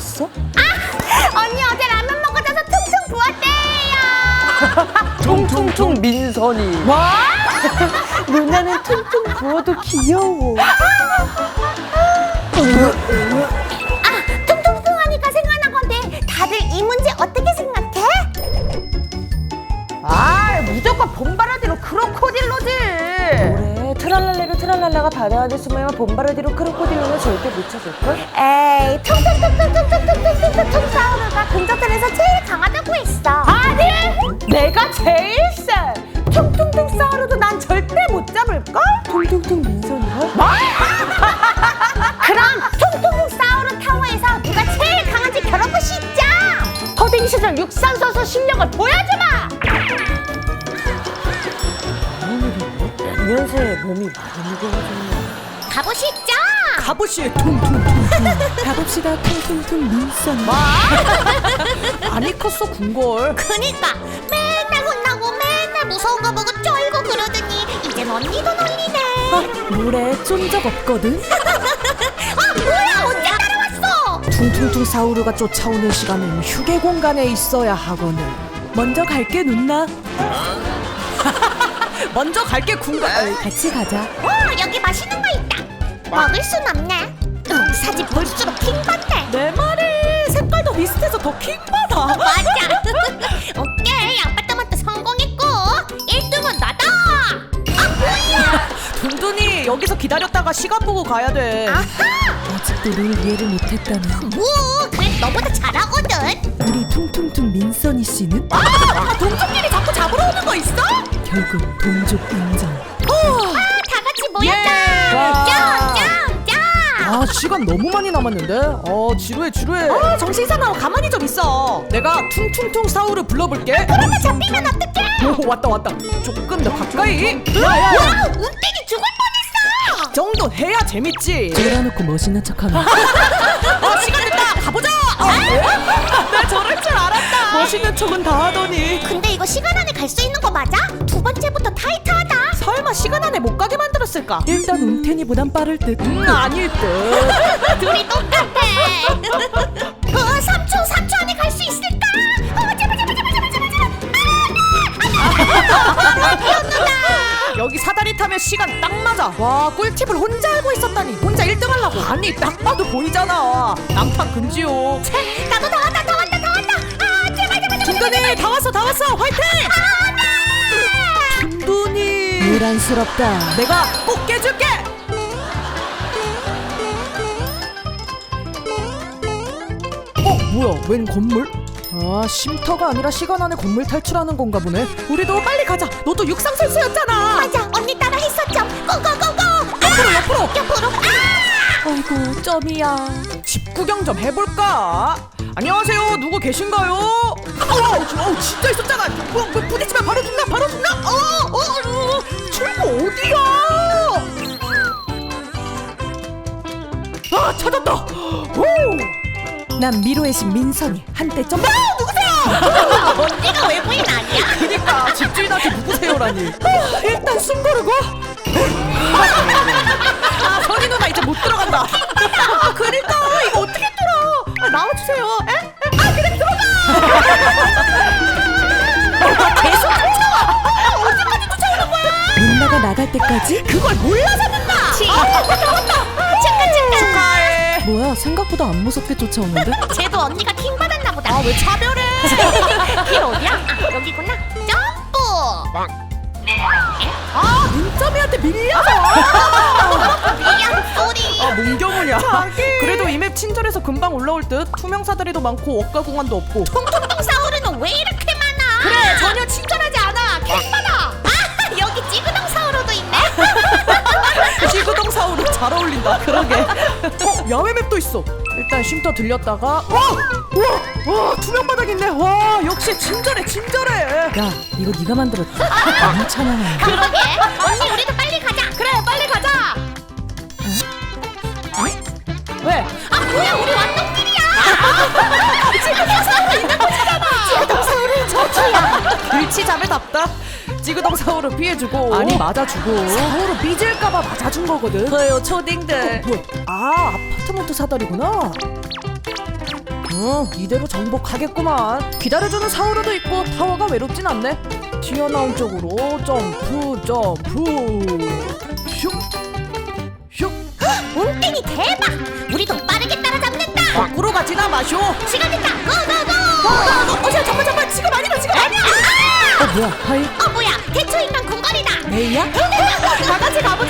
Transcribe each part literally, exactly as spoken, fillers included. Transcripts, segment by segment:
부었어? 아! 언니 어제 라면 먹어줘서 퉁퉁 부었대요. 퉁퉁퉁 민선이. 뭐? 누나는 퉁퉁 부어도 귀여워. 아, 퉁퉁퉁 하니까 생각난 건데 다들 이 문제 어떻게 생각해? 아, 무조건 봄바라디로 크로코딜로지. 그래, 트랄랄레로 트랄랄라가 바다 안에 숨으면 봄바라디로 크로코딜로는 절대 못 찾을걸? 에이, 퉁퉁퉁퉁퉁퉁퉁퉁퉁퉁 사우루가 근저들에서 제일 강하다고 했어. 아니! 내가 제일 세! 퉁퉁퉁 사우루도 난 절대 못 잡을걸? 퉁퉁퉁 민선이가? 뭐? 그럼 퉁퉁퉁 사우루 타워에서 누가 제일 강한지 겨뤄보 시죠. 허딩 시절 육상선수 실력을 보여주마! 몇 년새 몸이 많이 무거워졌네. 가보시죠. 가보시에 퉁퉁퉁퉁. 가봅시다 퉁퉁퉁 민선. 뭐? 많이 컸어 궁궐. 그니까 맨날 혼나고 맨날 무서운 거 보고 쫄고 그러더니 이젠 언니도 놀리네. 아, 물에 쫀 적 없거든? 아 뭐야 언제 따라왔어? 퉁퉁퉁 사우루가 쫓아오는 시간은 휴게 공간에 있어야 하거늘. 먼저 갈게 누나. 먼저 갈게 궁궐. 같이 가자. 어 여기 맛있는 거 있다. 먹을 순 없네. 응, 사진 볼수록 킹받네. 내 말이 색깔도 비슷해서 더 킹받아. 맞아. 오케이 아빠토마토 성공했고 일 등은 나다. 아 뭐야? 둔둔이 여기서 기다렸다가 시간 보고 가야 돼. 아하. 아직도 룰 이해를 못했다니. 뭐 그래 너보다 잘하거든. 우리 퉁퉁퉁 민선이 씨는? 아 동족끼리 자꾸 잡으러 오는 거 있어? 결국 동족 인정. 다 같이 모였다. 짱짱짱. 아 시간 너무 많이 남았는데? 어 지루해 지루해. 아 정신 사나워 가만히 좀 있어. 내가 퉁퉁퉁 사우를 불러볼게. 그러다 잡히면 어떡해? 오 왔다 왔다. 조금 더 가까이. 와 운땡이 죽을 뻔했어. 정도 해야 재밌지. 쫄아놓고 멋있는 척하네. 어 시간 됐다. 가보자. 나 저럴 줄 알았다. 멋있는 척은 다 하더니. 근데 이거 시간 안에 갈 수 있는 거 맞아? 두 번째부터 타이트하다. 설마 시간 안에 못 가게 만들었을까? 일단 운텐이보단 빠를 듯. 음 아닐 듯. 둘이 똑같아. 어, 삼 초, 삼 초 안에 갈 수 있을까? 어, 제발, 제발, 제발, 제발, 제발, 제발. 여기 사다리 타면 시간 딱 맞아. 와 꿀팁을 혼자 알고 있었다니. 혼자 일 등 하려고. 아니 딱 봐도 보이잖아. 남탕 금지요. 아, 나도 다 왔다, 다 왔다, 다 왔다. 아, 제발, 제발, 제발. 둔둔이 다 왔어 다 왔어. 화이팅. 둔둔이 유란스럽다. 내가 꼭 깨줄게. 어 뭐야 웬 건물? 아 쉼터가 아니라 시간 안에 건물 탈출하는 건가 보네. 우리도 빨리 가자. 너도 육상 선수였잖아. 맞아, 언니 따라 했었죠. 고고고고. 옆으로 옆으로. 옆으로. 아! 아이고 점이야. 집 구경 좀 해볼까? 안녕하세요. 누구 계신가요? 어우 어, 진짜 있었잖아. 뭐, 뭐, 부딪히면 바로 죽나 바로 죽나? 어, 어, 어, 출구 어디야? 아 찾았다. 오. 난 미로의 신 민선이. 한때 점. 아 누구세요? 언니가 외부인 아니야? 그니까 집주인한테 누구세요라니. 아, 일단 숨 고르고. 아 선희 누나 이제 못 들어간다. 아 그니까 이거 어떻게 뚫어? 아, 나와주세요. 에? 에? 아 그래 들어가. 아, 계속 쫓아와. 언제까지 쫓아오는 거야? 누나가 나갈 때까지? 그걸 몰라서 누나. 아 왔다 왔다. 잠깐, 잠깐. 축하해. 뭐야 생각보다 안 무섭게 쫓아오는데? 쟤도 언니가 킹 받았나 보다. 아 왜 차별해? 길 어디야? 아, 여기구나. 점프. 아 문점이한테 밀려서. 미안 소리. 아 몽경훈이야. 그래도 이 맵 친절해서 금방 올라올 듯. 투명 사다리도 많고 억가 공간도 없고. 통통통 사우루는 왜 이렇게 많아? 그래 전혀 친절하지 않아. 킹받아. 아 여기 찌그덩 사우루도 있네. 지구동 사우루 잘 어울린다. 그러게. 어 야외 맵도 있어. 일단 쉼터 들렸다가. 와! 와! 와 투명 바닥 있네. 와 역시 친절해 친절해. 야 이거 네가 만들었지? 너무 찬양하네. 그러게. 언니 우리도 빨리 가자. 그래 빨리 가자. 어? 왜? 아 뭐야 우리 왔던 길이야. 찌그덩 사우루 있는 곳이잖아. 찌그덩 사우루 저기야. 길치자매답다. 찌그덩 사우루 피해주고. 아니 맞아주고. 사우루 삐질까봐 맞아준 거거든. 그래요 초딩들. 어, 뭐야? 아 아파트먼트 사다리구나. 어, 이대로 정복하겠구만. 기다려주는 사우르도 있고 타워가 외롭진 않네. 튀어나온 쪽으로 점프 점프 슉 슉. 웅땡이 대박! 우리도 빠르게 따라잡는다! 거꾸로 가지나 마쇼. 시간 됐다! 고고고! 어, 잠깐 잠깐 지금 아니다 지금 아니야. 아! 어 뭐야 하이 어 뭐야 대초인간 궁궐이다! 메이야? 다 같이 가보자!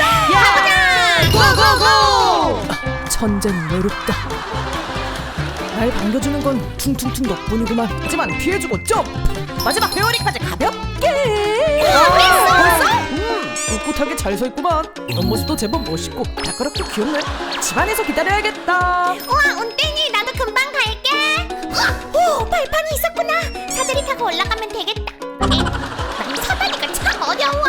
가보자! 고고고! 천재는 외롭다. 날 반겨주는 건 퉁퉁퉁 덕분이구만. 하지만 피해주고 점프. 마지막 회오리까지 가볍게. 벌써? 벌써? 음, 꿋꿋하게 잘 서있구만. 옆모습도 제법 멋있고 다그렇게 귀엽네. 집안에서 기다려야겠다. 우와 웅땡이 나도 금방 갈게! 우와, 오 발판이 있었구나! 사다리 타고 올라가면 되겠다! 에, 난 사다리가 참 어려워!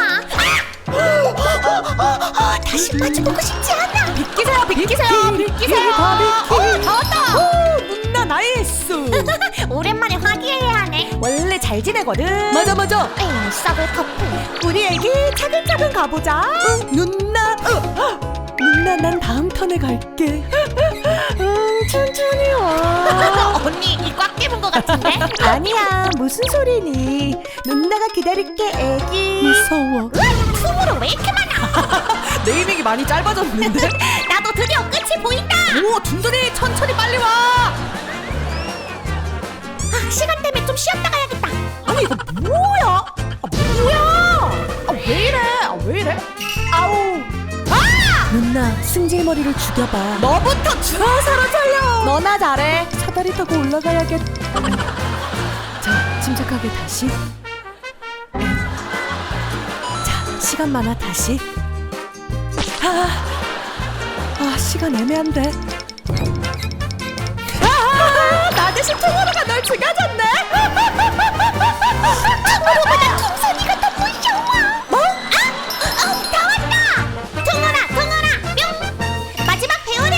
아! 다시 빠져보고 싶지 않아! 비키세요 비키세요 비키세요! 어, 다 왔다! 오, 문나 나이스. 오랜만에 화기애애 하네! 원래 잘 지내거든. 맞아 맞아. 에이 썩을 커플! 우리 애기 차근차근 가보자. 응, 누나. 어, 누나 난 다음 턴에 갈게. 응, 천천히 와. 언니 이 꽉 깨문 것 같은데? 아니야, 무슨 소리니? 누나가 기다릴게, 애기. 무서워. 투모로 왜 이렇게 많아? 네이밍이 많이 짧아졌는데? 나도 드디어 끝이 보인다! 오, 둔둔이 천천히 빨리 와. 아, 시간 때문에 좀 쉬었다 가야겠다! 아니 이거 뭐야? 아, 뭐야? 아, 왜 이래? 아, 왜 이래? 아우. 아! 누나, 승질 머리를 죽여봐. 너부터 죽어. 서로 살려. 너나 잘해. 사다리 타고 올라가야겠. 자, 침착하게 다시. 자, 시간 많아 다시. 아, 아 시간 애매한데. 아, 나 대신 투모로가 널 죽여줬네. 투모로보다 퉁선이가 더 무서워! 뭐? 아! 어, 다 왔다! 퉁어라 퉁어라 뿅! 마지막 배우리!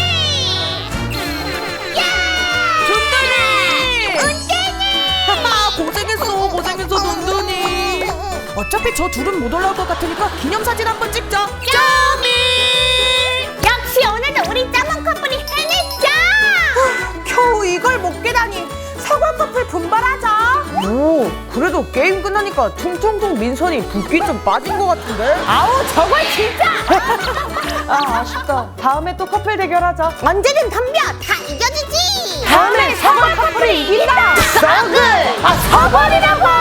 야! 둔둔이. 웅땡이! 아, 고생했어 고생했어 둔둔이. 어차피 저 둘은 못 올라올 것 같으니까 기념사진 한번 찍자. 쪼미! 역시 오늘도 우리 짜만 커플이 해냈죠! 겨우 이걸 못 깨다니. 사과 커플 분발하자. 오, 그래도 게임 끝나니까 퉁퉁퉁 민선이 붓기 좀 빠진 것 같은데. 아우 저걸 진짜. 아 아쉽다. 다음에 또 커플 대결하자. 언제든 덤벼! 다 이겨주지! 다음엔 사과 커플이 이긴다. 썩을! 아 사과리라고.